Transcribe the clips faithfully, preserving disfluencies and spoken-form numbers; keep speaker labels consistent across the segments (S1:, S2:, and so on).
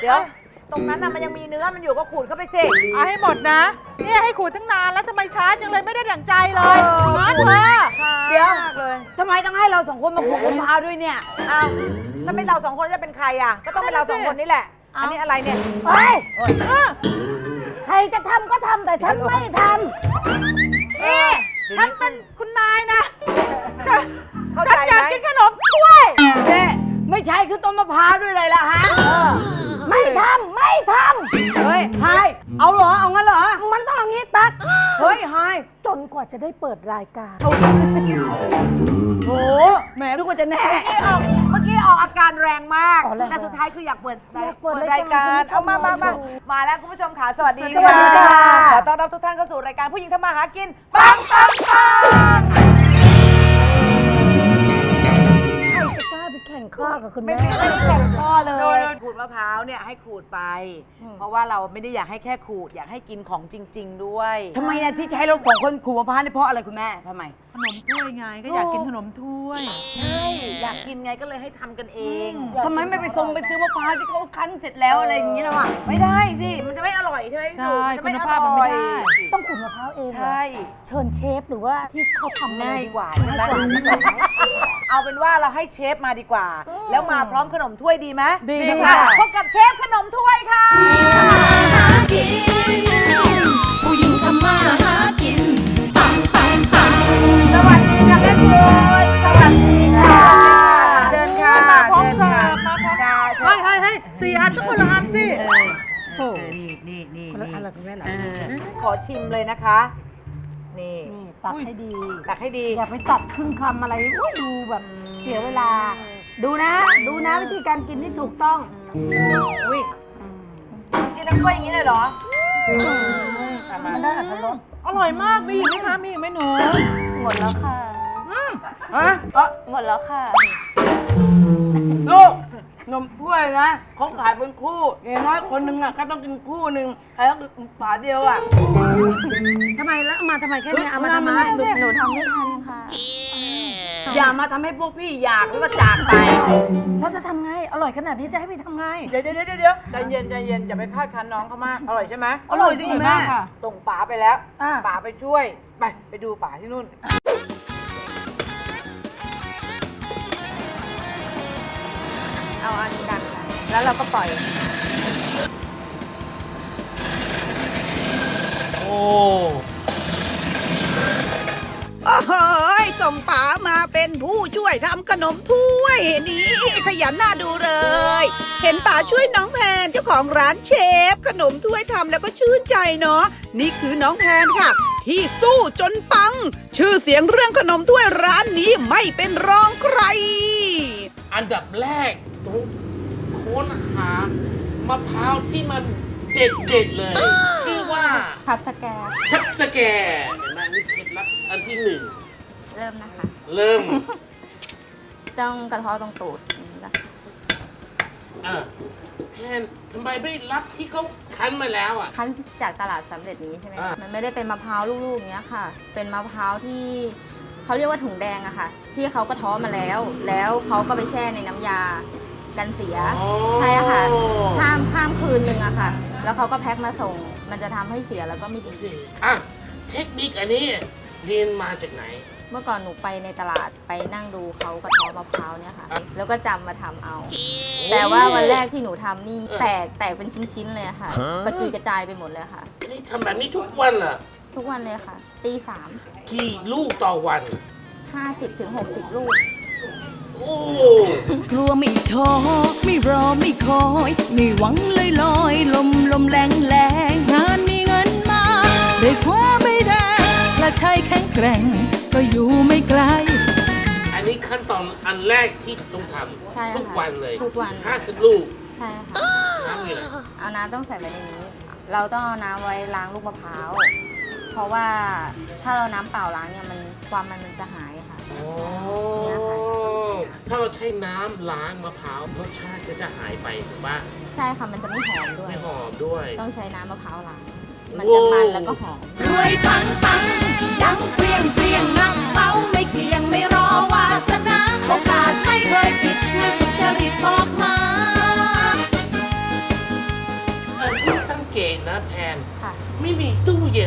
S1: ดี๋ยวตรงนั้นน่ะมันยังมีเนื้อมันอยู่ก็ขูดเข้าไปสิ
S2: เอาให้หมดนะเนี่ยให้ขูดตั้งนานแล้วทำไมช้าจังเลยไม่ได้ดั่งใจเลยงอนเธอ
S3: เดี๋ยวทำไมต้องให้เราสองคนมาขูดมะพร้าวด้วยเนี่ย
S1: อ้าวถ้าเป็นเราสองคนจะเป็นใครอ่ะก็ต้องเป็นเราสองคนนี่แหละอันนี้อะไรเนี่ย
S3: เฮ้ยใครจะทำก็ทำแต่ฉันไม่ท
S2: ำนี่ฉันเป็นคุณนายนะฉันอยากกินขนมถ้วย
S3: เนี่ยไม่ใช่คือต้นมะพร้าวด้วยเลยล่ะฮะไม่ทำไม่ทำเฮ้ยไฮเอาเหรอเอางั้นเหรอมันต้องอย่างนี้ตักเฮ้ยไฮจนกว่าจะได้เปิดรายการโอ้แหมนึกว่าจะแน่
S1: เมื่อกี้ออกอาการแรงมากแต่สุดท้ายคืออยากเปิดเปิดรายการเอามามามามาแล้วคุณผู้ชมค่ะสวัสดีค่ะขอต้อนรับทุกท่านเข้าสู่รายการผู้หญิงทำมาหากินปังปังปัง
S3: แข่งข้อกับคุณแม่
S1: ไม่มีอะไรแข่งข้อเลยขูดมะพร้าวเนี่ยให้ขูดไปเพราะว่าเราไม่ได้อยากให้แค่ขูดอยากให้กินของจริงๆด้วย
S3: ทำไมเนี่ยที่จะให้เราสองคนขูดมะพร้าวนี่เพราะอะไรคุณแม่ทำไม
S2: ขนมถ้วยไงก็อยากกินขนมถ้วย
S1: ใช่อยากกินไงก็เลยให้ทำกันเอง
S3: ทำไมไม่ไปทรงไปซื้อมะพร้าวที่เขาคั้นเสร็จแล้วอะไรอย่างนี้ล่ะวะ
S1: ไม่ได้สิมันจะไม่อร่อยใช่ไหม
S2: ใช่คุณภาพมันไม่ได้
S3: ต้องขูดมะพร้าวเอง
S1: ใช่
S3: เชิญเชฟหรือว่าที่เขาทำ
S1: ง่ายกว่าง่ายกว่าเอาเป็นว่าเราให้เชฟมาดีกว่าแล้วมาพร้อมขนมถ้วยดีไหม
S3: ดีค่ะ
S1: พบกับเชฟขนมถ้วยค่ะ
S4: ผู้หญิงทำมาหากินปังปังปัง
S1: สวัสดีค่ะแม่คุณสวัสดีค่ะเชิญค่ะ
S2: มาพร้อมเสิร์ฟมาพร้อมเฮ้ยเฮ้ยเฮ้ยสี่อันต้องคนละอันสิ
S1: โอ้นี่นี่นี่
S3: คนละอันละคุณแม่หรอ
S1: ขอชิมเลยนะคะนี่
S3: ตักให้ดี
S1: ตักให้ดี
S3: อย่าไปตัดครึ่งคำอะไรดูแบบเสียเวลาดูนะดูนะวิธีการกินที่ถูกต้อง
S1: อุ้ยกินทั้งถ้วยอย่างนี้เลยเหรอ
S3: มันได้อัตรส
S2: อร่อยมากมีอีกไหมคะมีอีกไหมหนู
S4: หมดแล้วค่ะ
S3: ฮะ
S4: หมดแล้วค่ะ
S3: ลูกนมถ้วยนะเขาขายเป็นคู่อย่างน้อยคนหนึ่งอ่ะก็ต้องกินคู่หนึ่งใครก็ฝาเดียวอ่ะทำไมแล้วมาทำไมแค่นี้เอามาทำไม
S4: หนูทำไม่ทันค่ะ
S3: อย่ามาทำให้พวกพี่อยากแล้วก็จากไปแล้วจะทำไงอร่อยขนาดนี้จะให้พี่ทำไง
S1: เดี๋ยวเดี๋ยวเดี๋ยวใจเย็นใจเย็นอย่าไปคาดคั้นน้องเขามากอร่อยใช่ไหม
S3: อร่อยจริงแม่
S1: ส่งป๋าไปแล้วป๋าไปช่วยไปไปดูป๋าที่นู่น
S4: เอาอันนี้ดันแล้วเราก็ปล่อย
S5: โอ้โอ้โหส่งป๋ามาเป็นผู้ช่วยทำขนมถ้วยนี่ขยันน่าดูเลยเห็นป๋าช่วยน้องแพนเจ้าของร้านเชฟขนมถ้วยทำแล้วก็ชื่นใจเนาะนี่คือน้องแพนค่ะที่สู้จนปังชื่อเสียงเรื่องขนมถ้วยร้านนี้ไม่เป็นรองใคร
S6: อันดับแรกต้องค้นหามะพร้าวที่มันเด็ดๆเลย ชื่อว่า
S4: ทับสแก
S6: ทับสแกเห็นไหมนี่เคล็ดลับอันที่หนึ่ง
S4: เริ่มนะคะ
S6: เริ่ม
S4: ต้องกระเทาะตรงตูดนะคะ
S6: อ่ะแพนทำไมไม่รับที่เขาคั้นมาแล้วอ่ะ
S4: คั้นจากตลาดสำเร็จนี้ใช่ไหมมันไม่ได้เป็นมะพร้าวลูกๆอย่างเงี้ยค่ะเป็นมะพร้าวที่เขาเรียกว่าถุงแดงอะค่ะที่เขากระเทาะมาแล้วแล้วเขาก็ไปแช่ในน้ำยากันเสียใช่ค่ะข้ามข้ามคืนหนึ่งอะค่ะแล้วเขาก็แพ็คมาส่งมันจะทำให้เสียแล้วก็ไม่ดี
S6: อ่ะเทคนิคอันนี้เรียนมาจากไหน
S4: เมื่อก่อนหนูไปในตลาดไปนั่งดูเขากระเทาะมะพร้าวเนี่ยค่ะแล้วก็จำมาทำเอาแต่ว่าวันแรกที่หนูทำนี่แตกแตกเป็นชิ้นๆเลยค่ะกระจุยกระจายไปหมดเลยค่ะ
S6: นี่ทำแบบนี้ทุกวันเหรอ
S4: ทุกวันเลยค่ะตีสาม
S6: กี่ลูกต่อวัน
S4: ห้าสิบถึงหกสิบลูก
S5: กลัวไม่ท้อไม่รอไม่คอยไม่หวังลอยลอยลมลมแรงแรงงานมีเงินมาได้คว้าไม่ได้และใจแข็งแกร่งก็อยู่ไม่ไกล
S6: อันนี้ขั้นตอนอันแรกที่ต้องทำทุกวันเลย
S4: ทุกวัน
S6: ห้าสิบลูก
S4: ใช่ค่ะ
S6: น้ำมีอะไร
S4: เอาน้ำต้องใส่ไว้ในนี้เราต้องเอาน้ำไว้ล้างลูกมะพร้าวเพราะว่าถ้าเราน้ำเปล่าล้างเนี่ยมันความมันมันจะหายค่ะ
S6: เนี่ยค่ะถ้าเราใช้น้ำล้างมะพร้าวรสชาติก็จะหายไปถูกปะ
S4: ใช่ค่ะมันจะไม่หอมด้วย
S6: ไม่หอมด้วย
S4: ต้องใช้น้ำมะพร้าวล้างมันจะมันแล้วก็หอม
S5: รวยปังปังดังเปรี้ยงเปรี้ยงนักเมาไม่เกี่ยงไม่รอวาสนาโอกาสไม่เคยปิดเงินสุจริตบอกมา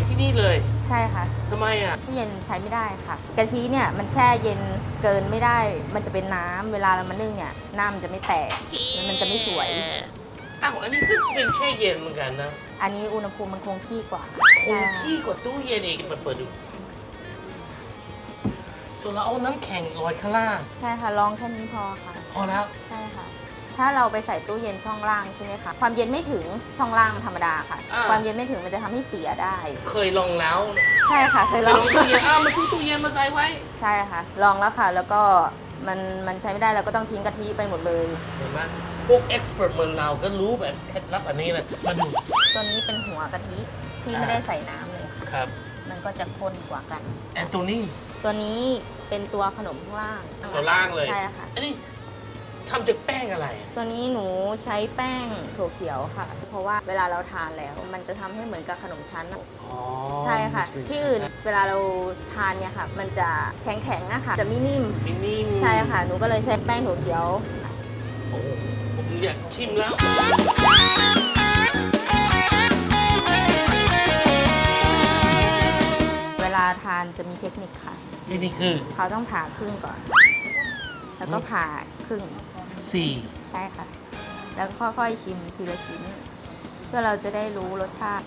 S6: นที่นี่เลย
S4: ใช่ค่ะ
S6: ทำไมอ่ะ
S4: ตู้เย็นใช้ไม่ได้ค่ะกะทิเนี่ยมันแช่เย็นเกินไม่ได้ มันจะเป็นน้ำเวลาเรามานึ่งเนี่ยน้ำมันจะไม่แตกแล้วมันจะไม่สวย
S6: อ้าวอันนี้ก็เป็นแช่เย็นเหมือนกันนะ
S4: อันนี้อุณหภูมิมันคงที่กว่า
S6: ค
S4: ใช่
S6: ง
S4: ค่ะ
S6: ที่กว่าตู้เย็นอีกเปิดเปิดดูส่วนเราเอาน้ำแข็งลอยข้างล่าง
S4: ใช่ค่ะลองแค่นี้พอค่ะ
S6: พอแล้ว
S4: ใช่ค่ะ ถ้าเราไปใส่ตู้เย็นช่องล่างใช่ไหมคะ ความเย็นไม่ถึงช่องล่างธรรมดาค่ะ
S6: อ่า
S4: ความเย็นไม่ถึงมันจะทำให้เสียได้
S6: เคยลองแล้ว
S4: ใช่ค่ะเคย
S6: ไป
S4: ล
S6: ล
S4: อ
S6: อง งตู้เย็นอ้าวมาซื้อตู้เย็นมาใส่ไว้
S4: ใช่ค่ะ ลองแล้วค่ะ แล้วก็มันมันใช้ไม่ได้เราก็ต้องทิ้งกะทิไปหมดเลย
S6: เห็นไหมพวกเอ็กซ์เพรสเหมือนเราก็รู้แบบเคล็ดลับอันนี้เลยมาดู
S4: ตัวนี้เป็นหัวกะทิที่ไม่ได้ใส่น้ำเลยค่ะ
S6: ครับ
S4: มันก็จะข้นกว่ากัน
S6: แอนตัวนี้
S4: ตัวนี้เป็นตัวขนมข้างล่าง
S6: ตัวล่างเลย
S4: ใช่ค่ะ
S6: อันนี้ทำจากแป้งอะไร
S4: ตัวนี้หนูใช้แป้งถั่วเขียวค่ะ เพราะว่าเวลาเราทานแล้ว มันจะทำให้เหมือนกับขนมชั้น
S6: อ๋อ
S4: ใช่ค่ะ ที่อื่นเวลาเราทานเนี่ยค่ะ มันจะแข็งๆอะค่ะ จะไม่นิ่ม
S6: มินิม
S4: ใช่ค่ะ หนูก็เลยใช้แป้งถั่วเขียว
S6: โอ้โหผมอยากชิมแล้ว
S4: เวลาทานจะมีเทคนิคค่ะ
S6: นี่นี่คือ
S4: เขาต้องผ่าครึ่งก่อน แล้วก็ผ่าครึ่ง
S6: สี่
S4: ใช่ค่ะ แล้วก็ค่อยๆชิมทีละชิ้น เพื่อเราจะได้รู้รสชาติ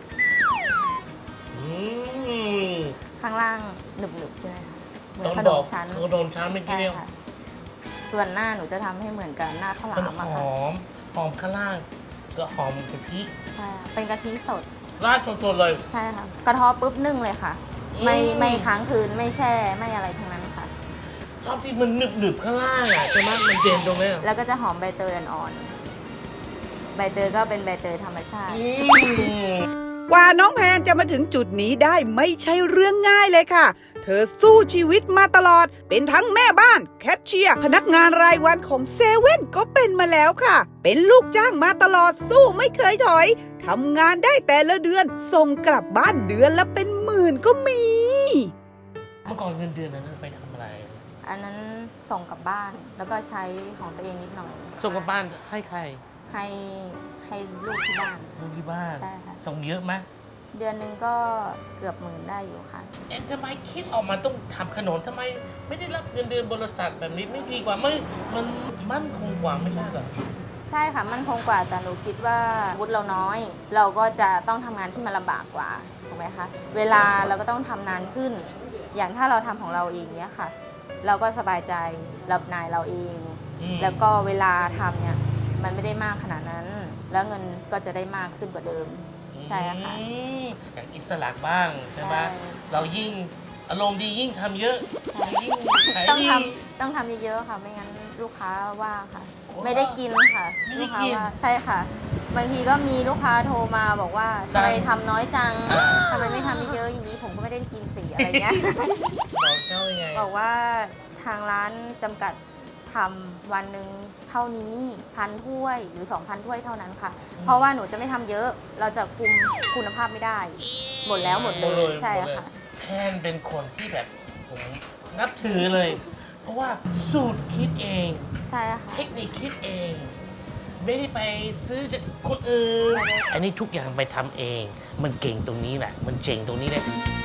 S6: อืม
S4: ข้างล่างหนึบๆใช่ไหมคะเหมือน
S6: ต้อง
S4: ข
S6: บ
S4: น
S6: อ
S4: ม
S6: ก
S4: ชั้น
S6: ขนมชั้นไม่กี่
S4: ใช่
S6: เดียว
S4: ค่ะ ส่วนหน้าหนูจะทำให้เหมือนกับหน้าข้าวหลา
S6: มัน
S4: มอะ
S6: ห
S4: ค่ะ
S6: อม หอมข้างล่าง ก็หอมกะทิ
S4: ใช่ค่ะเป็นกะทิสด
S6: ราดสดๆเลย
S4: ใช่ค่ะ กระเทอปุ๊บนึ่งเลยค่ะ ไม่
S6: อืม
S4: ไม่ค้างคืนไม่แช่ไม่อะไรทั้งนั้นค่ะ
S6: ชอบที่มันหนึบๆข้างล่างอ่ะใช่ไหมมันเด่นตรงนี้
S4: แล้วก็จะหอมใบเตยอ่อนๆใบเตยก็เป็นใบเตยธรรมชาติ
S6: อืม
S5: กว่าน้องแพนจะมาถึงจุดนี้ได้ไม่ใช่เรื่องง่ายเลยค่ะ เธอสู้ชีวิตมาตลอด เป็นทั้งแม่บ้าน แคชเชียร์ พนักงานรายวันของเซเว่นก็เป็นมาแล้วค่ะ เป็นลูกจ้างมาตลอดสู้ไม่เคยถอย ทำงานได้แต่ละเดือน ส่งกลับบ้านเดือนละเป็นหมื่นก็มี
S6: เมื่อก่อนเงินเดือนนั้นไปทำอะไร
S4: อันนั้นส่งกลับบ้านแล้วก็ใช้ของตัวเองนิดหน่อย
S6: ส่งกลับบ้านให้ใคร
S4: ให้ให้ลูกที่บ้าน
S6: ลูกที่บ้าน
S4: ใช่ค่ะ
S6: ส่งเยอะไหม
S4: เดือนหนึ่งก็เกือบหมื่นได้อยู่ค่ะ
S6: เอ็นทำไมคิดออกมาต้องทำขนมทำไมไม่ได้รับเงินเดือนบริษัทแบบนี้ไม่ดีกว่าไม่มันมั่นคงกว่าไม่ใช่เหรอ
S4: ใช่ค่ะมันคงกว่าแต่หนูคิดว่าวุฒิเราน้อย เราก็จะต้องทำงานที่มันลำบากกว่าถูกไหมคะเวลาเราก็ต้องทำนานขึ้น อย่างถ้าเราทำของเราเองเนี้ยค่ะ เราก็สบายใจรับนายเราเอง
S6: อืม
S4: แล้วก็เวลาทำเนี่ยมันไม่ได้มากขนาดนั้น แล้วเงินก็จะได้มากขึ้นกว่าเดิม ใช่ค่ะ
S6: อืมจากอิสระบ้างใช่ไหม
S4: ใช่
S6: เรายิ่งอารมณ์ดียิ่งทำเยอะยิ่งขาย
S4: ต้อง
S6: ดี
S4: ทำต้องทำเยอะๆค่ะ ไม่งั้นลูกค้าว่าค่ะ
S6: โอ้
S4: ไม่ได้กินค่ะ
S6: ไม่ได้
S4: ลูกค้า
S6: กิน
S4: ว่าใช่ค่ะ บางทีก็มีลูกค้าโทรมาบอกว่า
S6: สั่
S4: ทำ
S6: ง
S4: ไมทำน้อยจังทำไมไม่ทำเยอะๆอย่างนี้ผมก็ไม่ได้กินสีอะไรเงี้ย
S6: บอกเจ้ายังไง
S4: บอกว่าทางร้านจำกัดทำวันหนึ่งเท่านี้พันถ้วยหรือ 2,000 ถ้วยเท่านั้นค่ะ เพราะว่าหนูจะไม่ทำเยอะ เราจะคุมคุณภาพไม่ได้ หมดแล้วหมดเลยใช่ค่ะ
S6: แพนเป็นคนที่แบบผมนับถือเลย เพราะว่าสูตรคิดเอง
S4: ใช่ค่ะ
S6: เทคนิคคิดเอง ไม่ได้ไปซื้อจากคนอื่น อันนี้ทุกอย่างไปทำเอง มันเก่งตรงนี้แหละ มันเจ๋งตรงนี้แหละ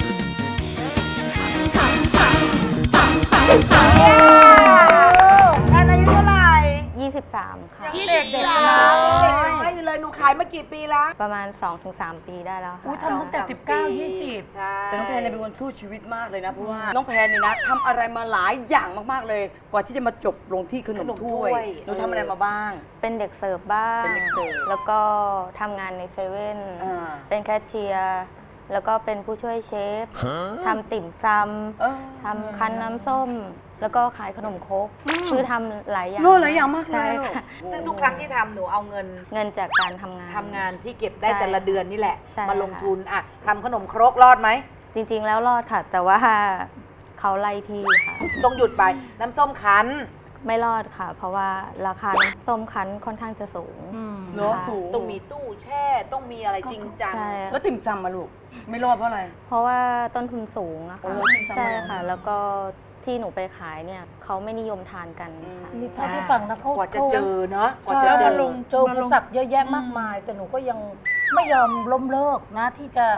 S1: แอนอายุเท่าไหร่
S4: ยี่สิบสาม ค่ะ
S1: เด็กเด็กนะเด็กไม่เลยหนูขายมากี่ปีแล้ว
S4: ประมาณ สองถึงสาม ปีได้แล้วค่ะ
S3: อุ้ยทำตั้งแต่สิบเก้า ยี่สิบ
S1: ใช่
S3: แต่น้องแพนเนี่ยเป็นคนสู้ชีวิตมากเลยนะ เพราะว่าน้องแพนเนี่ยนะทำอะไรมาหลายอย่างมากๆเลย กว่าที่จะมาจบลงที่ขนมถ้วยหนูทำอะไรมาบ้าง
S4: เป็นเด็กเสิร์ฟบ้าง
S3: เป็นเด็กเสิร์ฟ
S4: แล้วก็ทำงานในเซเว่น
S3: อ่า
S4: เป็นแคชเชียร์ แล้วก็เป็นผู้ช่วยเชฟ ทำติ่มซ
S3: เออ
S4: ำ ทำคั้นน้ำส้ม แล้วก็ขายขนมครกคือทำหลายอย่าง
S3: โน่หลายอย่างมากเลย
S4: ใช่
S3: ลูก
S4: ค่ะ
S1: ซึ่งทุกครั้งที่ทำหนูเอาเงิน
S4: เงินจากการทำงาน
S1: ทำงานที่เก็บได้
S4: ใช่
S1: แต่ละเดือนนี่แหละ
S4: ใช่
S1: มาลง
S4: ค่ะ
S1: ทุนอ่ะทำขนมครกรอดไหม
S4: จริงๆ แล้วรอดค่ะ แต่ว่าเขาไล่ที่ค่ะ
S1: ต้องหยุดไปน้ำส้มคั้น
S4: ไม่รอดค่ะ เพราะว่าราคาน้ำส้มคั้นค่อนข้างจะสูง
S3: เนาะ
S4: ค่ะ
S3: สูง
S1: ต้องมีตู้แช่ต้องมีอะไรจริงจัง
S4: ใช่
S3: แล้วติ่มซำมาลูก ไม่รอดเพราะอะไร
S4: เพราะว่าต้นทุนสูงอะ
S3: โอ้
S4: ค่ะ
S3: ติ่มซำ
S4: ใช่
S3: เหรอ
S4: ค่ะ แล้วก็ที่หนูไปขายเนี่ยเขาไม่นิยมทานกันค่ะ
S2: นี่เท่าที่ฟังนะเขา
S1: กว่าจะ
S2: เขา
S1: เจอเนาะกว่าจะ
S2: แล้ว
S1: เจ
S2: มา
S1: อ
S2: ลงเจออุปสรรคเยอะแยะมากมาย แต่หนูก็ยังไม่ยอมล้มเลิกนะที่จะ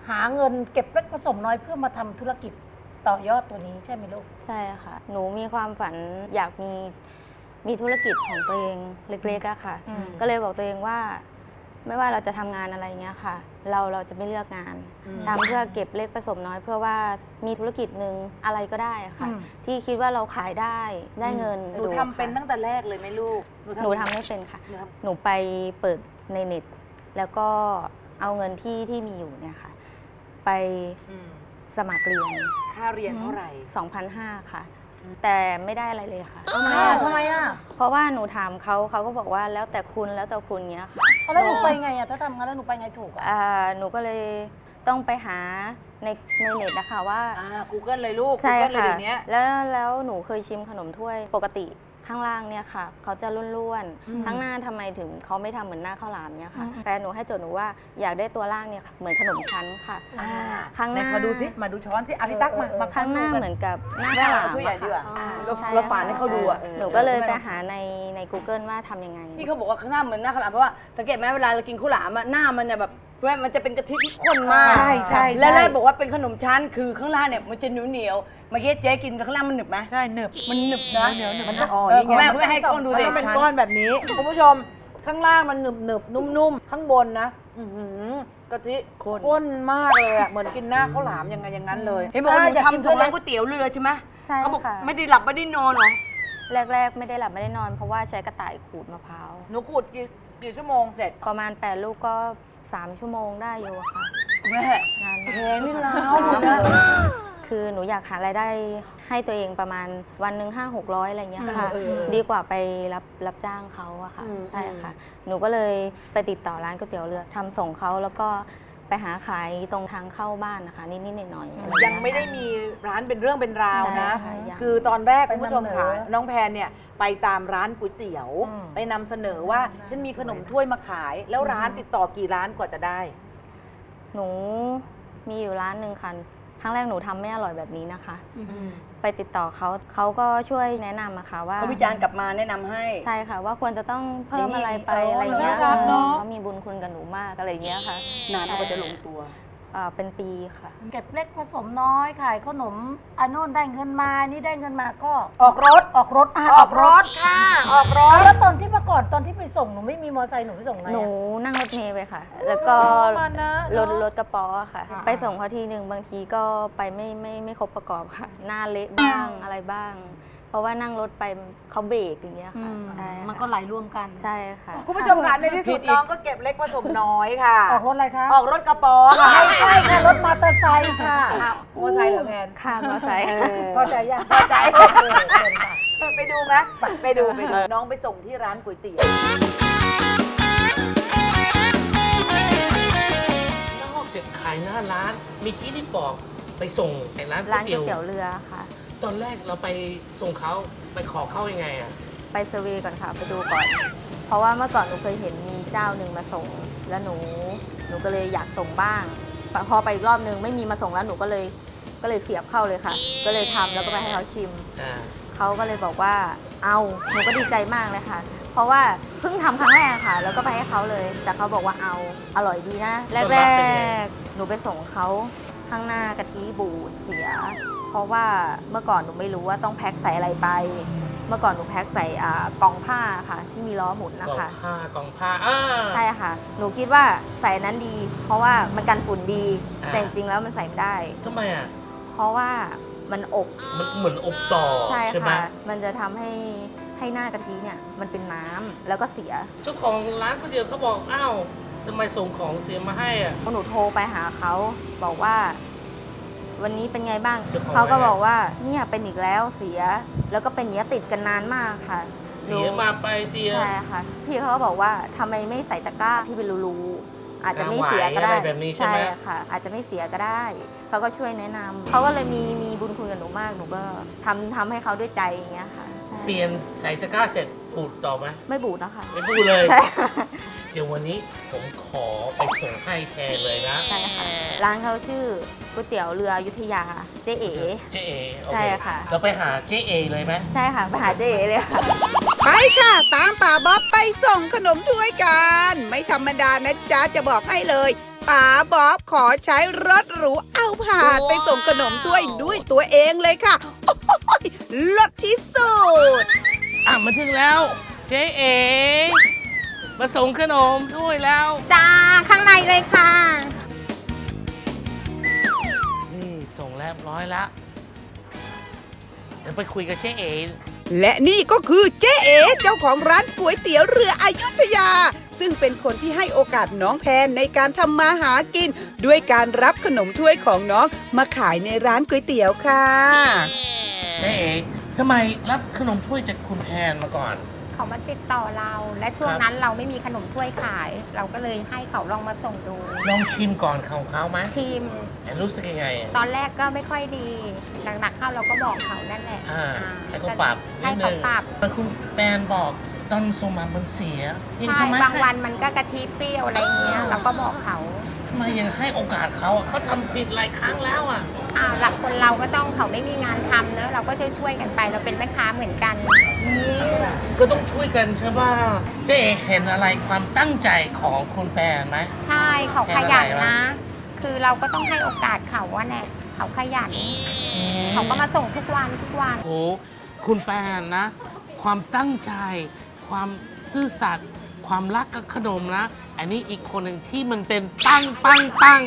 S3: หาเงินเก็บเล็กผสมน้อยเพื่อมาทำธุรกิจต่อยอดตัวนี้ใช่ไหมลูก
S4: ใช่ค่ะ หนูมีความฝันอยากมีมีธุรกิจของตัวเองเล็กๆอะค่ะ
S3: อืม
S4: ก็เลยบอกตัวเองว่า ไม่ว่าเราจะทำงานอะไรเงี้ยค่ะ เราเราจะไม่เลือกงานทำเพื่อเก็บเล็กผสมน้อยเพื่อว่ามีธุรกิจหนึ่งอะไรก็ได้อะค่ะ ที่คิดว่าเราขายได้ได้เงิน
S1: หนูทำเป็นตั้งแต่แรกเลยไหมลูก
S4: หนูทำไม่เป็นค่ะ
S1: หนูท
S4: หนูไปเปิดในเน็ต แล้วก็เอาเงินที่ที่มีอยู่เนี่ยค่ะ ไป
S1: ำอืม
S4: สมัครเรียน
S1: ค่าเรียนเท่าไหร่
S4: สองพันห้าร้อย ค่ะ แต่ไม่ได้อะไรเลยค่ะ
S3: ทำไมอ่ะทำไมอ่ะ
S4: เพราะว่าหนูถามเขาเขาก็บอกว่าแล้วแต่คุณแล้วแต่คุณเนี้ยค่ะ
S3: เอาแล้วหนูไปไงอ่ะถ้าทำงั้นแล้วหนูไปไงถูกอ่ะ
S4: อ่าหนูก็เลยต้องไปหาในในเน็ตนะคะว่า
S1: อ่า Google เลยลูก
S4: ใช่
S1: Google เลย
S4: ค่ะ
S1: เดี๋ยวนี้
S4: แล้วแล้วหนูเคยชิมขนมถ้วยปกติข้างล่างเนี่ยค่ะ เขาจะร่วนๆข้างหน้าทำไมถึงเขาไม่ทำเหมือนหน้าข้าวหลามเนี่ยค่ะแต่หนูให้โจทย์หนูว่าอยากได้ตัวล่างเนี่ยค่ะเหมือนขนมชั้นค่ะ
S1: อ่า
S4: ข้างหน้า
S1: ไหมาดูสิ มาดูช้อนสิอาพี่ตั๊กมามา
S4: ข้างหน้า
S1: ดูกั
S4: เหมือนกับหน้าข้าวหลาม
S1: ถ้วยใหญ่
S4: อะ
S1: ดีกว่า
S4: ค่ะ
S1: อ่า
S7: เรา
S4: ใช่
S7: เราฝานให้เขาดูอ่ะ
S4: หนูก็เลยไปหาในใน Google ว่าทำยังไง
S7: ที่เขาบอกว่าข้างหน้าเหมือนหน้าข้าวหลามเพราะว่าสังเกตไหมเวลาเรากินข้าวหลามอะหน้ามันจะแบบแม่มันจะเป็นกะทิที่ข้นมาก
S1: ใช่ใช่
S7: แล้ว
S1: ใช่
S7: แล้วบอกว่าเป็นขนมชั้นคือข้างล่างเนี่ยมันจะเหนียวเหนียวๆเมื่อกี้เจ๊กินข้างล่างมันหนึบไหม
S2: ใช่หนึบ
S7: มันหนึบนะ
S2: เหนียวหนึบ
S7: มัน
S2: นะ
S7: อ๋อนี่ไงแม่ไม่ให้กล้องดู
S1: มัน
S7: ดิ
S1: ต้องเป็นก้อนแบบนี้ คุณผู้ชม ข้างล่างมันหนึบหนึบนุ่มนุ่มๆ ข้างบนนะ อือหือกะทิข้นมากเลยอะเหมือนกินหน้าข้าวหลามยังไงอย่างนั้นเลย
S7: เห็นบอกว่าหนู
S3: อยากกิน
S7: ทำส่ง
S3: ด้วย
S7: ร้านก๋วยเตี๋ยวเรือใช่ไหม
S4: ใช่
S7: เขาบอก
S4: ค่ะ
S7: ไม่ได้หลับไม่ได้นอนเหรอ
S4: แรก ๆ ไม่ได้หลับไม่ได้นอนเพราะว่าใช้กระต่ายขูดมะพร้าว
S1: หนูขูดกี่กี่ชั่วโมงเสร็จ
S4: ประมาณแปดลูกก็สามชั่วโมงได้อยู่อะค่ะ
S7: แม่
S4: นาน
S7: แพ
S4: มาก
S7: งนี่ล้าวหมดนะ
S4: คือหนูอยากหารายได้ให้ตัวเองประมาณวันหนึ่งห้าหกร้อยอะไรเงี้ยค่ะ ดีกว่าไปรับรับจ้างเขาอะค่ะ ใช่ค่ะ หนูก็เลยไปติดต่อร้านก๋วยเตี๋ยวเรือทำส่งเขาแล้วก็ไปหาขายตรงทางเข้าบ้านนะคะ นิดๆหน่อยๆอะไร
S1: ยังไม่ได้มีร้านเป็นเรื่องเป็นราวนะ
S4: ใช่ค่ะยัง
S1: คือตอนแรก
S3: ไป
S1: คุณผู้ชม
S3: นำเสนอ
S1: ค่ะ น้องแพนเนี่ยไปตามร้านก๋วยเตี๋ยว
S3: อืม
S1: ไปนำเสนอว่าฉันมีขนมถ้วยมาขาย แล้วร้านติดต่อกี่ร้านกว่าจะได้
S4: หนูมีอยู่ร้านหนึ่งค่ะครั้งแรกหนูทำไม่อร่อยแบบนี้นะคะ ไปติดต่อเขาเขาก็ช่วยแนะนำอะค่ะว่า
S7: เขาวิจารณ์กลับมาแนะนำให้
S4: ใช่ค่ะว่าควรจะต้องเพิ่มอะไรไป
S7: อย่างนี้
S4: อะไรเงี้ย
S7: น่ารักเนอะ
S4: เขามีบุญคุณกับหนูมากอะไรเงี้ยค่ะ
S7: นานกว่าจะลงตัว
S4: อ่าเป็นปีค่ะ
S3: เก็บเล็กผสมน้อยขายขนมอันโน่นได้เงินมานี่ได้เงินมาก็
S1: ออกรถ
S3: ออกรถะ
S1: ออกรถค่ะ ออกรถ
S3: แล้วตอนที่ประกอบตอนที่ไปส่งหนูไม่มีมอเตอร์ไซค์หนูไปส่งไง
S4: หนู
S3: อะ
S4: นั่งรถเมล์ไปค่ะ แล้วก็
S2: มานะ
S4: รถ
S2: เนอะ
S4: รถกระป๋อค่ะ ไปส่งเขาทีหนึ่งบางทีก็ไปไม่ไม่ไม่ครบประกอบค่ะ หน้าเละบ้างอะไรบ้าง เพราะว่านั่งรถไปเขาเบรกอย่างเงี้ยค่ะใช่ค่ะ
S3: มันก็ไหลรวมกัน
S4: ใช่ค่ะ
S1: คุณผู้ชมค่ะในที่สุดน้องก็เก็บเล็กผสมน้อยค่ะ
S3: ออกรถอะไรคะ
S1: ออกรถกระป๋อค่ะ
S3: ไม่ใช่ค่ะรถมอเตอร์ไซค์ค่ะ
S1: อ้าวมอไซค์เหรอแพน
S4: ข้ามมาใส่
S3: พอใจยัง
S1: พอใจ
S3: เออเชิญค่ะ
S1: ไปดูไหมไปดูไปดูน้องไปส่งที่ร้านก๋วยเตี๋ยว
S6: นอกจากขายหน้าร้านมีกี้ที่บอกไปส่งในร้านก๋ว
S4: ร้าย นก๋
S6: เตี๋
S4: วย
S6: ยว
S4: เตี๋ยวเรือค่ะ
S6: ตอนแรกเราไปส่งเขาไปขอเข้ายังไงอ่ะ
S4: ไปเซอร์เวย์ก่อนค่ะ ไปดูก่อน เพราะว่าเมื่อก่อนหนูเคยเห็นมีเจ้าหนึ่งมาส่ง แล้วหนูหนูก็เลยอยากส่งบ้าง พอไปอีกรอบนึงไม่มีมาส่งแล้วหนูก็เลยก็เลยเสียบเข้าเลยค่ะ ก็เลยทำแล้วก็ไปให้เขาชิม
S6: อ่า
S4: เขาก็เลยบอกว่าเอาหนูก็ดีใจมากเลยค่ะ เพราะว่าเพิ่งทำครั้งแรกค่ะ แล้วก็ไปให้เขาเลย แต่เขาบอกว่าเอาอร่อยดีนะ แรกๆหนูไปส่งเขาข้างหน้ากะทิบูดเสีย เพราะว่าเมื่อก่อนหนูไม่รู้ว่าต้องแพ็คใส่อะไรไป เมื่อก่อนหนูแพ็คใส่อ่ากล่องผ้าค่ะ ที่มีล้อหมุนนะ
S6: กล่อง
S4: คะ
S6: ผ้ากล่องผ้าอ่า
S4: ใช่ค่ะ หนูคิดว่าใส่อันนั้นดี เพราะว่ามันกันฝุ่นดี
S6: อ่า
S4: แต่จริงๆแล้วมันใส่ไม่ได้
S6: ทำไมอ่ะ
S4: เพราะว่ามันอบ
S6: มันเหมือนอบต่อ
S4: ใช่
S6: ใช่ไหม
S4: ค่ะ มันจะทำให้ให้หน้ากะทิเนี่ยมันเป็นน้ำแล้วก็เสีย
S6: เจ้าของร้านก๋วยเตี๋ยวเขาบอกอ้าวทำไมส่งของเสียมาให้อ่ะ
S4: หนูโทรไปหาเขาบอกว่า วันนี้เป็นไงบ้าง
S6: เจ้าของ
S4: เขาก็
S6: ว่าไง
S4: บอกว่าเนี่ยเป็นอีกแล้วเสีย แล้วก็เป็นอย่างนี้ยติดกันนานมากค่ะ
S6: เสียมาไปเสีย
S4: ใช่ค่ะ พี่เขาก็บอกว่าทำไมไม่ใส่ตะกร้าที่เป็นรูๆอาจจะไม่เสียก็ได้
S6: หวายอะไรแบบนี้ใช่ไหม
S4: ค่ะ อาจจะไม่เสียก็ได้เขาก็ช่วยแนะนำเขาก็เลยมีมีบุญคุณกับหนูมากหนูก็ทำทำให้เขาด้วยใจอย่างเงี้ยค่ะใช่
S6: เปลี่ยนใส่ตะกร้าเสร็จปูดต่อไหม
S4: ไม่บูดนะคะ
S6: ไม่พูดเลย
S4: ใช่
S6: เดี๋ยววันนี้ผมขอไปส่งให้แทนเลยนะ
S4: ใช่ค่ะ ร้านเขาชื่อก๋วยเตี๋ยวเรืออยุธยาเจ๊เอ๋
S6: เจ๊เอโอเ
S4: ใช่ค่ะ
S6: เราไปหาเจ๊เอเลยไหม
S4: ใช่ค่ะไปหาเจ๊เอ๋เลยค่ะ
S5: ไปค่ะ ตามป่าบ๊อบไปส่งขนมถ้วยกัน ไม่ธรรมดานะจ๊ะจะบอกให้เลยป๋าบ๊อบขอใช้รถหรูเอาผ่านไปส่งขนมถ้วยด้วยตัวเองเลยค่ะ โอ้โหรถที่สุด
S6: อ่ะมาถึงแล้ว เจ๊เอ๋มาส่งขนมถ้วยแล้ว
S4: จ้า ข้างในเลยค่ะ
S6: นี่ส่งแล้วเรียบร้อยแล้ว เดี๋ยวไปคุยกับเจ๊เอ๋
S5: และนี่ก็คือเจ๊เอ๋เจ้าของร้านก๋วยเตี๋ยวเรืออยุธยา ซึ่งเป็นคนที่ให้โอกาสน้องแพนในการทำมาหากิน ด้วยการรับขนมถ้วยของน้องมาขายในร้านก๋วยเตี๋ยวค่ะ
S6: เจ๊เอ๋ทำไมรับขนมถ้วยจากคุณแพนมาก่อน
S8: เขามาติดต่อเรา และช่วงนั้นเราไม่มีขนมถ้วยขาย เราก็เลยให้เขาลองมาส่งดู
S6: ลองชิมก่อนของเขาไหม
S8: ชิม
S6: แต่รู้สึกยังไงอ่ะ
S8: ตอนแรกก็ไม่ค่อยดี หนักๆเข้าเราก็บอกเขานั่นแหละ
S6: อ่า
S8: อ่า
S6: ให้เขาปรับ
S8: ใช่
S6: นิด
S8: เขา
S6: นึง
S8: ปรับ
S6: แต่คุณแปนบอกตอนส่งมามันเสียยัง
S8: ใช่
S6: ทำไม
S8: บางวันมันก็กะทิเปรี้ยวอะไรเงี้ย เราก็บอกเขา
S6: ทำไมยังให้โอกาสเขาอ่ะเขาทำผิดหลายครั้งแล้วอ่ะ
S8: อ่าหลักคนเราก็ต้องเขาไม่มีงานทำเนอะเราก็จะช่วยกันไป เราเป็นแม่ค้าเหมือนกัน
S6: ก็ต้องช่วยกันใช่ป่ะเจ๊เอ๋เห็นอะไรความตั้งใจของคุณแปนไหม
S8: ใช่เขาขยันนะ คือเราก็ต้องให้โอกาสเขาว่าแน่เขาขยัน เขาก็มาส่งทุกวันทุกวัน
S6: โอ้คุณแปนนะ ความตั้งใจ ความซื่อสัตย์ความรักกับขนมนะ อันนี้อีกคนหนึ่งที่มันเป็นตั้งปังตั้ง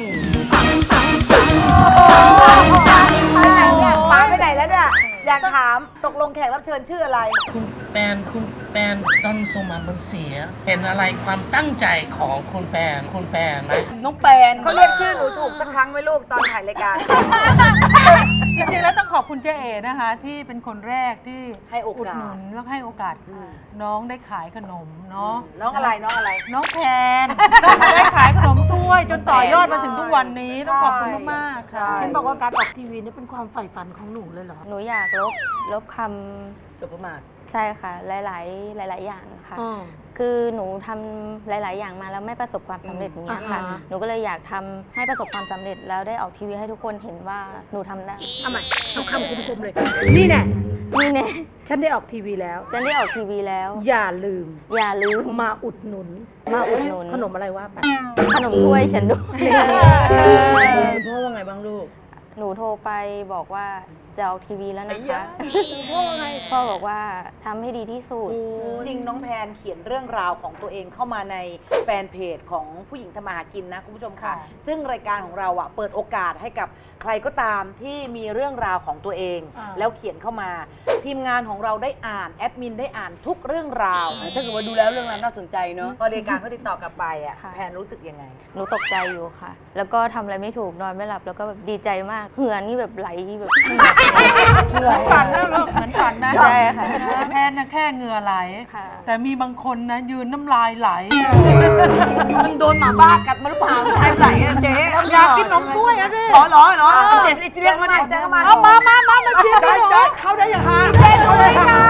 S1: ไปไหนเนี่ยป้าไปไหนแล้วเนี่ย อยากถามตกลงแขกรับเชิญชื่ออะไร
S6: คุณแปนคุณแปนตอนส่งมามันเสีย เห็นอะไรความตั้งใจของคุณแปนคุณแปนไหม
S7: น้องแปน
S1: เขาเรียกชื่อหนูถูกสักครั้งไหมลูกตอนถ่ายรายการ
S2: จริงๆแล้วต้องขอบคุณเจ๊เอ๋นะคะ ที่เป็นคนแรกที่
S1: ให้โอกาส
S2: อุดหนุนแล้วให้โอกาสน้องได้ขายขนมเนาะ
S1: น้องอะไรน้องอะไร
S2: น้องแพน ได้ขายขนมถ้วย จนต่อยอดมาถึงทุกวันนี้ต้องขอบคุณมากๆค่ะ
S3: เห็นบอกว่าการออกทีวีนี่เป็นความใฝ่ฝันของหนูเลยเหรอ
S4: หนูอยากลบลบคำ
S7: สุภมาศ
S4: ใช่ค่ะ หลาย ๆ หลาย ๆ อย่างค่ะ
S3: อืม
S4: คือหนูทำหลาย ๆ อย่างมาแล้วไม่ประสบความสำเร็จอย่างเงี้ยค่ะ
S3: อ่าฮะ
S4: หนูก็เลยอยากทำให้ประสบความสำเร็จแล้วได้ออกทีวีให้ทุกคนเห็นว่าหนูทำได้
S3: เอาใหม่เอาคำคมๆเลย นี่แน่
S4: นี่แน่
S3: ฉันได้ออกทีวีแล้ว
S4: ฉันได้ออกทีวีแล้ว
S3: อย่าลืม
S4: อย่าลืม
S3: มาอุดหนุน
S4: มาอุดหนุน
S3: ขนมอะไรว่าไป
S4: ขนมถ้วยฉันด้วย
S7: คุณพ่อว่าไงบ้างลูก
S4: หนูโทรไปบอกว่าจะออกทีวีแล้วนะคะพ่อไงพ่อบอกว่าทำให้ดีที่สุด
S1: จริงน้องแพนเขียนเรื่องราวของตัวเองเข้ามาในแฟนเพจของผู้หญิงทำมาหากินนะคุณผู้ชมค่ะ ซึ่งรายการของเราอะเปิดโอกาสให้กับใครก็ตามที่มีเรื่องราวของตัวเอง แล้วเขียนเข้ามา ทีมงานของเราได้อ่านแอดมินได้อ่านทุกเรื่องราว
S7: ถ้าเกิดว่าดูแล้วเรื่องนั้นน่าสนใจเนาะ
S1: พอรายการเขาติดต่อกลับไปอะ
S4: ค่ะ
S1: แพนรู้สึกยังไง
S4: หนูตกใจอยู่ค่ะ แล้วก็ทำอะไรไม่ถูกนอนไม่หลับแล้วก็แบบดีใจมากเหงื่อนี่แบบไหลแบบ
S2: เหมือนฝันนะลูกเหมือนฝันนะ
S4: ใช่ค่ะ
S2: แพนนะแค่เหงื่อไหล
S4: ค่ะ
S2: แต่มีบางคนนะยืนน้ำลายไหล
S7: มันโดนหมาบ้ากัดมาหรือเปล่าใครใส่อะเจ๊
S2: อยากกินนมถ้วยอะสิ
S7: อ๋อเหรอเหรอเจ๊เรียกมาดิ
S1: เจ๊เข้ามา
S2: เอามามามามาชิมกันหน่อย
S7: เข้าได้ยังฮะ
S1: สวัสดีครับ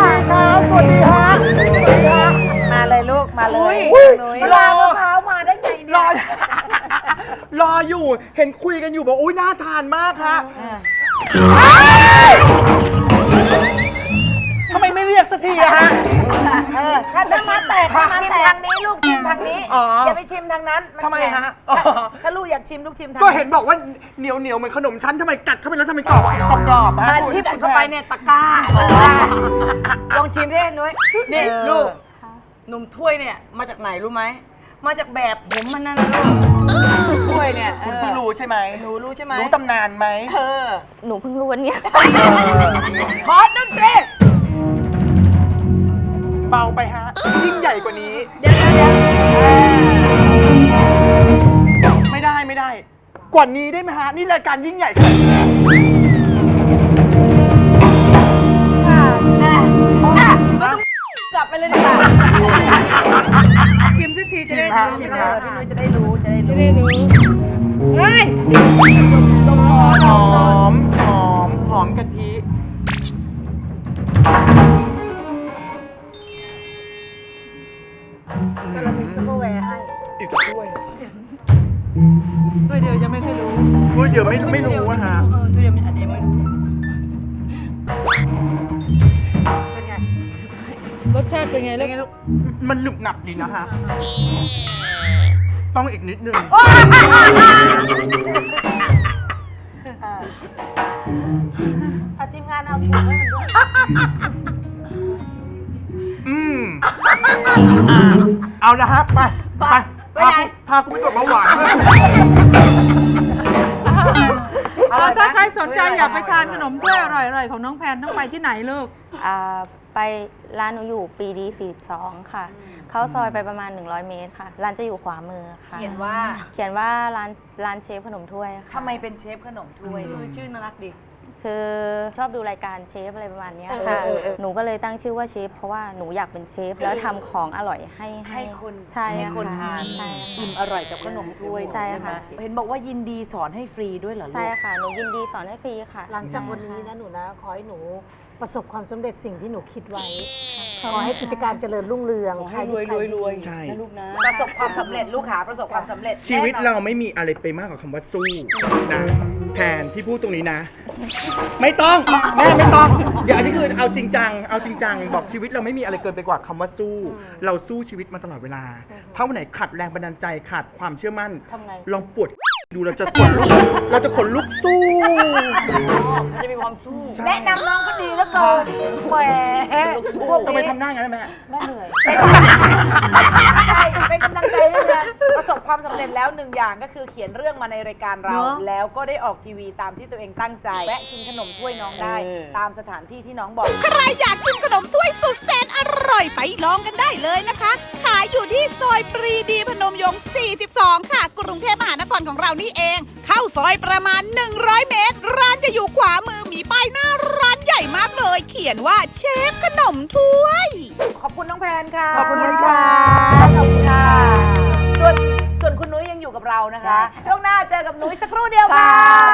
S1: สวัสดีฮะ สวัสดีฮะ มาเลยลูก มาเลยนุ้ย
S7: รอ
S1: มะพร้าวมาได้ไงเนี่ย
S9: รอ รออยู่ เห็นคุยกันอยู่บอกอุ้ยน่าทานมากฮะทำไมไม่เรียกสักทีอะฮะ
S1: เออ ถ้าจะชิมแตกชิมทางนี้ลูกชิมทางนี้
S9: อ๋ออ
S1: อย่าไปชิมทางนั้นน
S9: ทำไม
S1: แข็ง
S9: ฮะอ๋อ
S1: ถ้าลูกอยากชิมลูกชิมทาง
S9: ก็เห็นบอกว่าเหนียวเหนียวๆเหมือนขนมชั้นทำไมกัดเข้าไปแล้วทำไมกรอบกรอบกรอบๆฮะ
S7: มันที่กัดเข้าไปเนี่ยตะกร้าลองชิมดินุ้ยนี่ลูกนมถ้วยเนี่ยมาจากไหนรู้ไหมมาจากแบบผมมันนั่นนะลูกถ้วยเนี่ย
S9: คุณเพิ่งรู้ใช่ไหม
S7: หนูรู้ใช่ไหม
S9: รู้ตำนานไหม
S7: เออ
S4: หนูเพิ่งรู้วันเนี้ย
S7: ขอดนตรี
S9: เบาไปฮะ ยิ่งใหญ่กว่านี้
S7: เดี๋ยวเดี๋ยวเดี๋ยว
S9: ไม่ได้ไม่ได้ กว่านี้ได้ไหมฮะ นี่รายการยิ่งใหญ่ขนาดนี้
S7: กลับไปเลยดีกว่า
S2: ชิมสักทีจะได้
S9: ชิมฮะ
S2: รู้
S9: ชิม
S2: จะ
S9: ฮะ
S1: พี่นุ้ยจะได้รู้ จะได้รู้
S2: ได้รู้เฮ้ย
S9: หอม หอม หอมกะทิ
S1: ก็เรามีซุปเปอร์แวร์ให้
S9: อีกถ้วย
S2: เฮ้ยเดี๋ยวยังไม่เคยรู้
S9: อุ้ยเดี๋ยวไม่ไม่รู้อะฮะ
S7: เออทุเรียนมันอาจจะยังไม่รู้
S1: เป็นไง
S2: รสชาติเป็นไงลูก
S9: มันหนุบหนับดีนะฮะ ไปต้องอีกนิดนึง
S3: เอาทีมงานเอาถุงให้มันด้วย
S9: อืมอ่ะเอาละครับไปไปพากูพากูไปตรวจเบาหวาน
S2: เอาถ้าใครสนใจอยากไปทานขนมถ้วยอร่อยๆของน้องแพนต้องไปที่ไหนลูก
S4: อ่าไปร้านหนูอยู่ปีดีสี่สองค่ะ เข้าซอยไปประมาณ หนึ่งร้อย เมตรค่ะ ร้านจะอยู่ขวามือค่ะ
S1: เขียนว่า
S4: เขียนว่าร้านร้านเชฟขนมถ้วยค่ะ
S1: ทำไมเป็นเชฟขนมถ้วย
S7: คือชื่อน่ารักดี
S4: คือชอบดูรายการเชฟอะไรประมาณเนี้ยค่ะ
S7: เออเออเออ
S4: หนูก็เลยตั้งชื่อว่าเชฟเพราะว่าหนูอยากเป็นเชฟแล้วทำของอร่อยให้
S1: ให้คน
S4: ใช่
S1: ให้คน
S4: ค่ะ
S1: ทาน
S4: ใช่
S1: อิ่มอร่อยกับขนมถ้วย
S4: ใช่ค่ะ
S1: ไหมเห็นบอกว่ายินดีสอนให้ฟรีด้วยเหรอลูก
S4: ใช่ค่ะ หนูยินดีสอนให้ฟรีค่ะ
S3: หลังจากวันนี้นะหนูนะ ขอให้หนูประสบความสำเร็จสิ่งที่หนูคิดไว้ ขอให้กิจการเจริญรุ่งเรือง
S7: ขอให้รวยรวยรวย
S9: ใช่
S7: นะลูกนะ
S1: ประสบความสำเร็จลูกขาประสบความสำเร็จ
S9: ชีวิต
S1: แน่นอน
S9: เราไม่มีอะไรไปมากกว่าคำว่าสู้นะแทนพี่พูดตรงนี้นะ ไม่ต้องแม่ไม่ต้อง เดี๋ยวอันนี้คือเอาจริงจังเอาจริงจังบอกชีวิตเราไม่มีอะไรเกินไปกว่าคำว่าสู้ เราสู้ชีวิตมาตลอดเวลาถ้าวันไหนขาดแรงบันดาลใจขาดความเชื่อมั่น
S4: ทำไง
S9: ลองปวดดูเราจะขนลุกเราจะขนลุกสู้
S7: จะมีความสู้
S1: แนะนำน้องก็ดีแล้วเกินแหมพวก
S9: ทำไม
S1: นี้
S9: ทำหน้าอย่างนั้นนะแม่
S3: แม่เหนื่อย
S1: ใช่เป็นกำลังใจให้นะประสบความสำเร็จแล้วหนึ่งอย่างก็คือเขียนเรื่องมาในรายการเรา
S7: เนอะ
S1: แล้วก็ได้ออกทีวีตามที่ตัวเองตั้งใจแวะกินขนมถ้วยน้องได้
S7: เออ
S1: ตามสถานที่ที่น้องบอก
S5: ใครอยากชิมขนมถ้วยสุดแสนอร่อยไปลองกันได้เลยนะคะ ขายอยู่ที่ซอยปรีดีพนมยงค์ สี่สิบสอง ค่ะ กรุงเทพมหานครของเรานี่เอง เข้าซอยประมาณ หนึ่งร้อย เมตร ร้านจะอยู่ขวามือมีป้ายหน้าร้านใหญ่มากเลย เขียนว่าเชฟขนมถ้วย
S1: ขอบคุณน้องแพนค่ะ
S9: ขอบคุณค่ะ
S1: ขอบคุณค่ะ ส่วนส่วนคุณนุ้ยยังอยู่กับเรานะคะ ช่วงหน้าเจอกับนุ้ยสักครู่เดียวค่ะ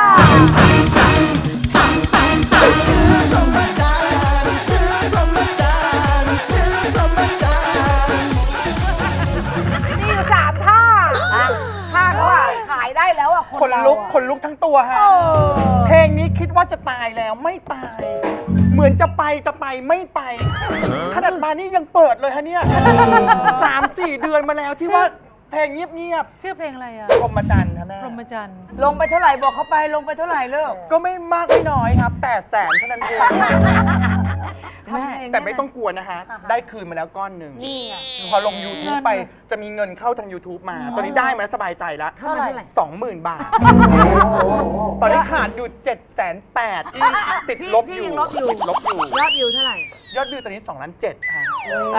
S1: มีอยู่สามท่าท่าเขาอะขายได้แล้วอะคน
S9: ขน
S1: เรา
S9: ลุก
S1: อะ
S9: ขนลุกทั้งตัวฮะ
S1: เออ
S9: เพลงนี้คิดว่าจะตายแล้วไม่ตาย เหมือนจะไปจะไปไม่ไป ขนาดมานี่ยังเปิดเลยฮะเนี่ยสามสี่เดือนมาแล้วที่ว่าเพลงเงียบ
S2: ชื่อเพลงอะไรอ่ะ
S9: ๆพรหมจันทร์ครับแม่
S2: พรหมจันทร์
S7: ลงไปเท่าไหร่บอกเขาไปลงไปเท่าไหร่เลิก
S9: ก็ไม่มากไม่น้อยครับแปดแสนเท่านั้นเอง
S1: ทำเพลง
S9: แต่ไม่ต้องกลัวนะฮะ ได้คืนมาแล้วก้อนหนึ่งพอลง YouTube ไปจะมีเงินเข้าทาง YouTube มา ตอนนี้ได้มาแล้วสบายใจแล้ว
S3: เท่าไหร่
S9: สองหมื่นบาท ตอนนี้ขาดอยู่เจ็ดแสนแปดที่ติดลบอยู่ติดลบอยู่
S1: ยอดวิวเท่าไหร่
S9: ยอดวิวตอนนี้สองล้านเจ็ดฮะ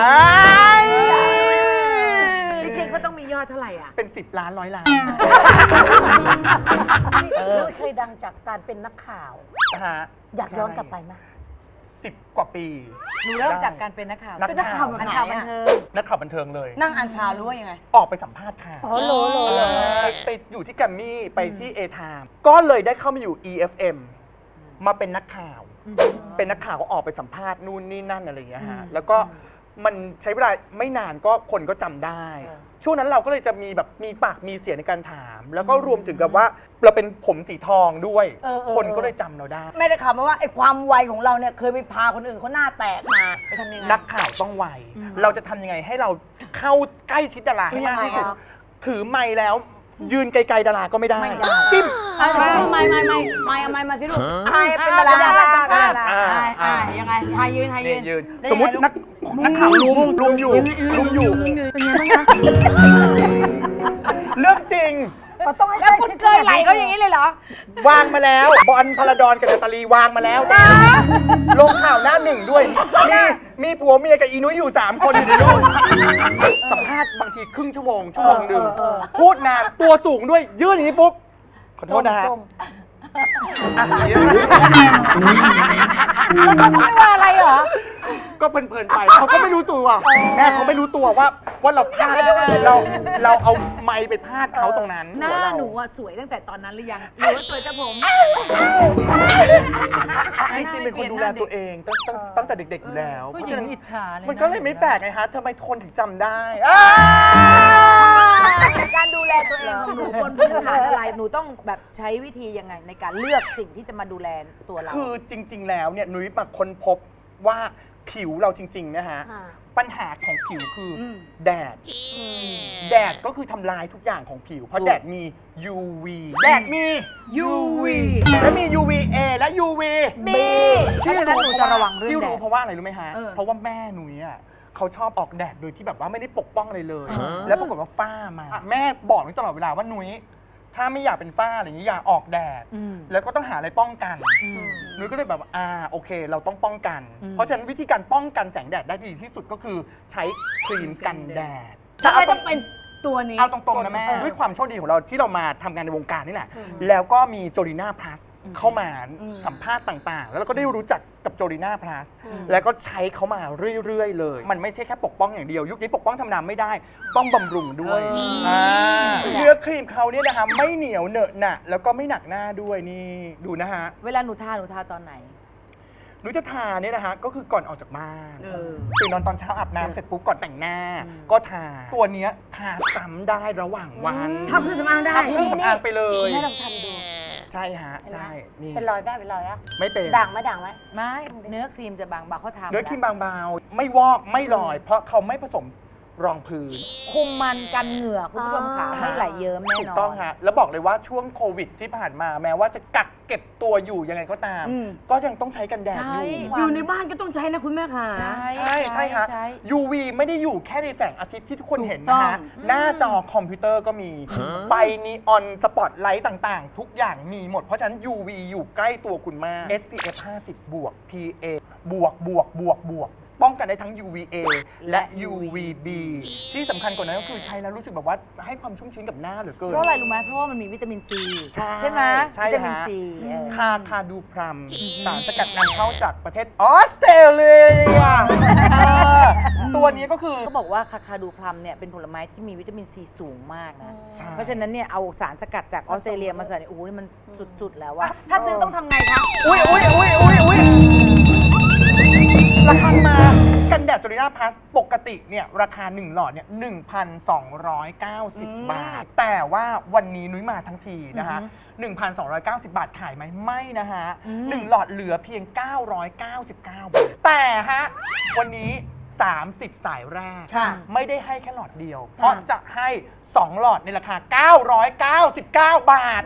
S1: จริงๆเขาต้องมียอดเท่าไหร่อ่ะ
S9: เป็นสิบล้านร้อยล้าน
S3: นุ้ยเคยดังจากการเป็นนักข่าว
S9: ฮะ
S3: อยากย้อนกลับไปไหม
S9: สิบกว่าปี
S1: หนูเริ่มจากการเป็นนักข่าว
S9: นัก
S7: เป็นนักข่าวแบบ
S1: นัก
S7: ไหน
S1: ข่าวบัน
S7: อะ
S1: เทิง
S9: นักข่าวบันเทิงเลย
S7: นั่งอ่านข่าวหรู้ว่ายังไง
S9: ออกไปสัมภาษณ์ค่ะ
S3: อ๋อโหลโหลโหล
S9: ไปไปอยู่ที่แกรมมี่ไปที่ เอ ไทม์ ก็เลยได้เข้ามาอยู่ อี เอฟ เอ็ม มาเป็นนักข่าว เป็นนักข่าวก็ออกไปสัมภาษณ์นู่นนี่นั่นอะไรอย่างเงี้ยฮะแล้วก็มันใช้เวลาไม่นานก็คนก็จำได้ ช่วงนั้นเราก็เลยจะมีแบบมีปากมีเสียงในการถาม แล้วก็รวมถึงกับว่าเราเป็นผมสีทองด้วย คนก็เลยจำเราได้
S7: ไม่ได้ข่าวมาว่าไอ้ความไวของเราเนี่ยเคยไปพาคนอื่นเขาหน้าแตกมาไปทำยังไง
S9: นักข่าวต้องไว เราจะทำยังไงให้เราเข้าใกล้ชิดดาราให้มากที่สุด
S7: ยังไงครับ
S9: ถือไมค์แล้ว ยืนไกลๆดาราก็ไม่ได้
S7: ไม่ได้
S9: จิ้ม
S7: ไม่ไม่ไม่ไม่ไม่เอาไม่มาสิลูกไอ้เป็นดารา
S1: ดาราสัมภาษณ์
S7: ไอ้ไอ้ยังไงไอ้ยืนไอ้ยื
S9: นี่
S7: น
S9: ยืน
S7: แล้ว
S9: สมมติ
S7: ยังไงลู
S9: นักนักข่าวลุมลุมอยู่ลุมอยู่
S2: เป็นไงบ้างคะ
S9: เรื่องจริง
S3: ต้องให้
S1: แล้วคุณเคยไหลเขาอย่างนี้เลยเหรอ
S9: วางมาแล้ว บอลพลาดอนกับนาตาลีวางมาแล้ว ลงข่าวหน้าหนึ่งด้วย มีมีผัวเมียกับอีนุ้ยอยู่ สาม คนอยู่ในรูปสัมภาษณ์บางทีครึ่งชั่วโมง ชั่วโมงหนึ่งพูดนานตัวสูงด้วย ยื่นอย่างนี้ปุ๊บ ขอโทษนะฮะอ่ะอย่างนี้นะ
S3: แล้วเขาไม่ว่าอะไรเหรอ
S9: ก็เพลินๆไปเขาก็ไม่รู้ตัวแม่เขาไม่รู้ตัวว่าว่าเราพลาดเราเราเอาไมค์ไปพลาดเขาตรงนั้น
S1: หน้า
S9: หัวเรา
S1: หนูอะสวยตั้งแต่ตอนนั้นหรือยังหรือว่าสวยแต่ผม
S9: จริงๆเป็นคนดูแลตัวเองตั้งตั้งตั้งแต่เด็กๆอยู่แล้ว
S2: ผู้
S9: เพ
S2: ห
S9: ราะ
S2: ญิ
S9: ฉะ
S2: ง
S9: นั้น
S2: อิจฉาเลย
S9: มันก็เลยไม่แปลกไงฮะทำไมคนถึงจำได้
S1: การดูแลตัวเองของหนูบนพื้นฐานอะไร หนูต้องแบบใช้วิธียังไงในการเลือกสิ่งที่จะมาดูแลตัวเรา
S9: คือจริง ๆ แล้วเนี่ยนุ้ยมาค้นพบว่าผิวเราจริงๆนะฮะปัญหาของผิวคืออแดด แดดก็คือทำลายทุกอย่างของผิว เพราะแดดมี ยู วี แดดมี ยู วี และมี ยู วี เอ และ ยู วี
S1: B เพราะฉะนั้นหนูจะระวังเรื่อง
S9: ที่
S1: แด
S9: รู้
S1: ด
S9: เพราะว่าอะไรรู้ไหมฮะ เพราะว่าแม่หนุ่ยอ่ะเขาชอบออกแดดโดยที่แบบว่าไม่ได้ปกป้องอะไรเลย แล้วปรากฏว่าฝ้ามา แม่บอกหนูตลอดเวลาว่าหนุ่ยถ้าไม่อยากเป็นฝ้าอะไรอย่างนี้อย่าออกแดด แล้วก็ต้องหาอะไรป้องกันหนุ่ยก็เลยแบบว่าอ่าโอเค เราต้องป้องกัน เพราะฉะนั้นวิธีการป้องกันแสงแดดได้ดีที่สุดก็คือใช้ครีมกันแดด
S3: ทำไมต้องเป็นตัวนี้
S9: เอาตรงๆนะแม่ ด้วยความโชคดีของเราที่เรามาทำงานในวงการนี่แหละ แล้วก็มีโจลีน่าพลัสเข้ามาสัมภาษณ์ต่างๆ แล้วเราก็ได้รู้จักกับโจลีน่าพลัสแล้วก็ใช้เขามาเรื่อยๆเลย มันไม่ใช่แค่ปกป้องอย่างเดียว ยุคนี้ปกป้องธรรมดาไม่ได้ ต้องบำรุงด้วยาเนื้อครีมเขาเนี่ยนะคะไม่เหนียวเหนอะหนะแล้วก็ไม่หนักหน้าด้วยนี่ดูนะฮะ
S1: เวลาหนูทาหนูทาตอนไหน
S9: หนูจะทาเนี่ยนะฮะก็คือก่อนออกจากบ้านตื่นนอนตอนเช้าอาบน้ำเสร็จปุ๊บก่อนแต่งหน้า ก็ทาตัวเนี้ยทาซ้ำได้ระหว่างวัน
S3: ทำเครื่องสำอางได้
S9: ทำเครื่องสำอางไปเลย
S3: แม่ลองทำดู
S9: ใช่ฮะใช่นี่
S3: เป็นรอยแม่เป็นรอยอะ
S9: ไม่เป็น
S3: ด่างไหมด่างไหม
S1: ไม่เนื้อครีมจะบางเบาเขาทา
S9: เนื้อครีมบางเบาไม่วอกไม่ลอย เพราะเขาไม่ผสมรองพื้น
S1: คุมมันกันเหงื่อคุณผู้ชมค่ะไม่ไหลเยิ้มแน่นอน
S9: ถูกต้องฮะแล้วบอกเลยว่าช่วงโควิดที่ผ่านมาแม้ว่าจะกักเก็บตัวอยู่ยังไงก็ตาม ก็ยังต้องใช้กันแดดอยู่
S3: อยู่ในบ้านก็ต้องใช้นะคุณแม่ค่ะ
S1: ใช่
S9: ใช่ใช่ฮะ
S1: ใช่
S9: ยู วี ไม่ได้อยู่แค่ในแสงอาทิตย์ที่ทุกคนเห็น
S3: ถู
S9: นะ
S3: กต้
S9: ฮะ
S3: อง
S9: หน้าจอคอมพิวเตอร์ก็มี ไฟนีออนสปอตไลท์ต่างๆ ทุกอย่างมีหมด เพราะฉะนั้น ยู วี อยู่ใกล้ตัวคุณมาก เอส พี เอฟ ห้าสิบ บวก พี เอ บวกบวกบวกบวก ป้องกันได้ทั้ง ยู วี เอ และ ยู วี บี ที่สำคัญกว่านั้นก็คือใช้แล้วรู้สึกแบบว่าให้ความชุ่มชื้นกับหน้าเหลือเกิน
S1: เพราะอะไรรู้ไหมเพราะว่ามันมีวิตามินซี
S9: ใช่
S1: ไหม
S9: ใช่
S1: วิตามิน
S9: ฮะ
S1: ซีเออ
S9: คาคาดูพรัมสารสกัดนำเข้าจากประเทศออสเตรเลียเออตัวนี้ก็คือ
S1: เขาบอกว่าคาคาดูพลัมเนี่ยเป็นผลไม้ที่มีวิตามินซีสูงมากนะ
S9: ใช่
S1: เพราะฉะนั้นเนี่ยเอาสารสกัดจากออสเตรเลียมาใส่ในโอ้โหนี่มันสุดๆแล้วว่าถ้าซื้อต้องทำไงคะ
S9: อุ้ยอุ้ยอุ้ยอุ้ยอุ้ยราคามากันแดดจอริน่าพลัสปกติเนี่ยราคาหนึ่งหลอดเนี่ยหนึ่งพันสองร้อยเก้าสิบบาท แต่ว่าวันนี้นุ้ยมาทั้งทีนะคะหนึ่งพันสองร้อยเก้าสิบบาทขายไหมไม่นะฮะหนึ่งหลอดเหลือเพียงเก้าร้อยเก้าสิบเก้าบาท แต่ฮะวันนี้สามสิบสายแรก ไม่ได้ให้แค่หลอดเดียว เพราะจะให้สองหลอดในราคาเก้าร้อยเก้าสิบเก้าบาท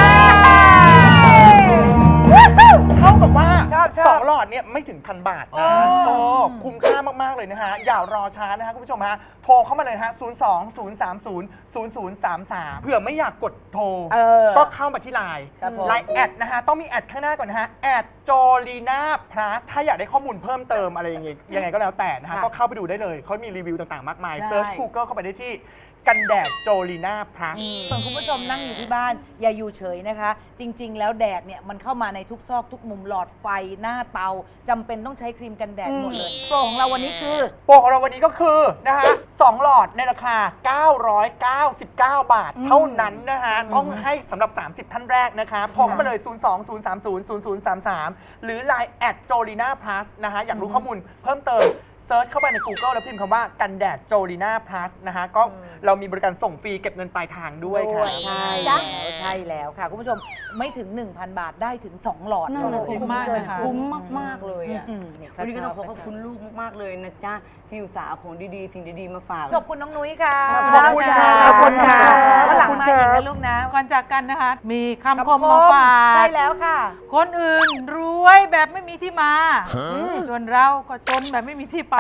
S9: เท่ากับว่า
S1: ชอบชอบ
S9: สองหลอดเนี่ยไม่ถึงพันบาทนะโอ้คุ้มค่ามากๆเลยนะฮะอย่ารอช้านะฮะคุณผู้ชมฮะโทรเข้ามาเลยนะฮะศูนย์ สอง ศูนย์ สาม ศูนย์ ศูนย์ ศูนย์ สาม สามเผื่อไม่อยากกดโทร
S1: เออ
S9: ก็เข้ามาที่ไลน์
S1: ครับผม
S9: ไลน์แอดนะฮะต้องมีแอดข้างหน้าก่อนนะฮะแอดโจลีน่าพลัสถ้าอยากได้ข้อมูลเพิ่มเติมอะไรอย่างเงี้ยยังไงก็แล้วแต่นะฮะก็เข้าไปดูได้เลยเขามีรีวิวต่างๆมากมายเซิร์ช Google เข้าไปได้ที่กันแดดโจลีน่าพลัส
S1: ส่วนคุณผู้ชมนั่งอยู่ที่บ้านอย่าอยู่เฉยนะคะ จริง ๆ แล้วแดดเนี่ยมันเข้ามาในทุกซอกทุกมุมหลอดไฟหน้าเตาจำเป็นต้องใช้ครีมกันแดดหมดเลยโปรของเราวันนี้คือ
S9: โปรของเราวันนี้ก็คือนะฮะสองหลอดในราคา เก้าร้อยเก้าสิบเก้า บาท เท่านั้นนะฮะ ต้องให้สำหรับ สามสิบ ท่านแรกนะคะโทรเข้ามาเลย ศูนย์ สอง ศูนย์ สาม ศูนย์ ศูนย์ ศูนย์ สาม สาม หรือ ไลน์ แอดโจลีน่าพลัสนะฮะ อยากรู้ข้อมูลเพิ่มเติมเซิร์ชเข้าไปใน Google แล้วพิมพ์คำว่ากันแดดโจลีน่าพลัสนะฮะ ก็เรามีบริการส่งฟรีเก็บเงินปลายทางด้วยค่ะ
S1: ใช่แล้วใช่แล้วค่ะ คุณผู้ชมไม่ถึง หนึ่งพัน บาทได้ถึง สอง หลอด
S3: นั่นน่ะสิ
S1: คุ้
S3: มากนะคะ
S1: คุ้
S3: คุ้
S1: ม
S3: ม
S1: มาก
S3: มากๆเลยอ่ะ
S1: อืมเนี่ย
S3: วันนี้ก็ต้องขอ
S1: ช
S3: ขอบคุณลูกมากๆเลยนะจ๊ะที่อุตส่าห์เอาของดีๆสิ่งดีๆมาฝาก
S1: ขอบคุณน้องนุ้ยค่ะ
S9: ขอบคุณค่ะ
S1: ขอบคุณค่ะ
S9: ขอบคุณค่ะ
S1: วันหลังมาอีกนะลูกนะ
S2: ก่อนจากกันนะคะ มีคำคมมาฝาก
S1: ใช่แล้วค่ะ
S2: คนอื่นรวยแบบไม่มีที่มา ส่วนเราก็จนแบบไม่มีที่ไป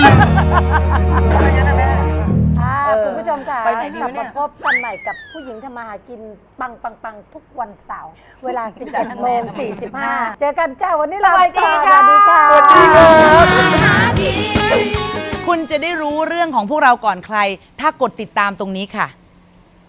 S3: ค่ะคุณผู้ชมค่ะ
S1: ไปไหนดี
S3: กลั
S1: วะเนี่
S3: มาย พบกันใหม่กับผู้หญิงทำมาหากินปังปังปังทุกวันเสาร์เวลา สิบเอ็ดโมงสี่สิบห้า เจอกันจ้าวันนี้ลาไปก่อน
S1: สวัสดีค่ะ
S3: สวัสดีค่ะ
S10: คุณจะได้รู้เรื่องของพวกเราก่อนใคร ถ้ากดติดตามตรงนี้ค่ะ